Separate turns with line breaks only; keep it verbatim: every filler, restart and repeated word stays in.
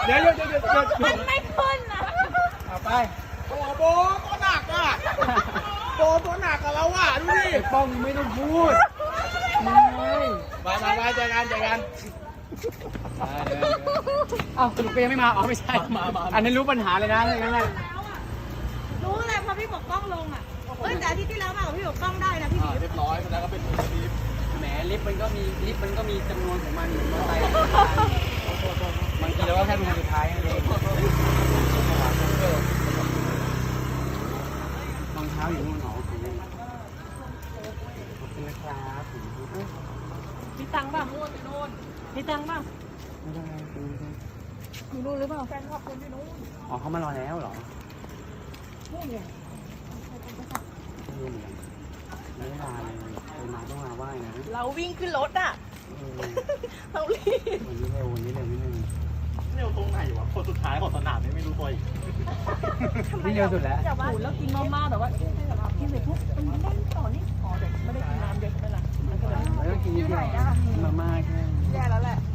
เดี๋ยวเดี๋ยวเดี๋ยวเดี๋ยว
มันไม่ขึ้นนะ
เอาไป
โอ้โหตัวหนักอ่ะโบตัวหนักกับเราอ่ะดูดิ
ไอ้ป้องไม่ต้องพูดมึงไง
ไปไปไปเจอกันเจอกัน
อ้าวสรุปก็ยังไม่มาอ๋อไม่ใช่อันนี้รู้ปัญหาเลยนะอะไรนั่นแหละ
รู้เลยเพราะพี่ปกป้องลงอ่ะเฮ้ยแต่อาทิตย์ที่แล้วมากับพี่ปกป้องได้นะพี่บิ๊ก
เรียบร้อยแล้วก็เป็นมือทีม
แหมลิฟต์มันก็มีลิฟต์มันก็มีจำนวนของมันเหมือนมอเตอร์ไซค์บางทีเราก็แค่เป็นคนสุดท้ายนั่นเองรองเท้าอยู่นู่นหรอขอบคุณนะครับ
มีตังค์ป่ะมีตังค์ป่ะ
ไม่ได้
มีรู้หรือเปล่าแฟนคลับคนที่นู้น
อ๋อเขามารอแล้วเหรอ
นู่นไง
ไม่เหมือนไม่ได้มาเลยเคยมาต้องมาไหว้นะ
เราวิ่งขึ้นรถอ่ะเรารีบ
วันนี้เร็ววันนี้เร็วนิดนึง
เร็วตรงไหนวะคนสุดท้ายของสนามนี่ไม่รู้ตัวอีก
นี่เร็วสุดแล้ว
แต่ว่าแล้วกินมาม่าแต่ว่ากินเสร็จปุ๊บมันไม่ได้ต่อนี่อ๋อเด็กไม่ได้กินน้ำเด็กนั่นแหละ
แล้วก็กินนิดเดียวมาม่าแค่
แย่แล้วแหละ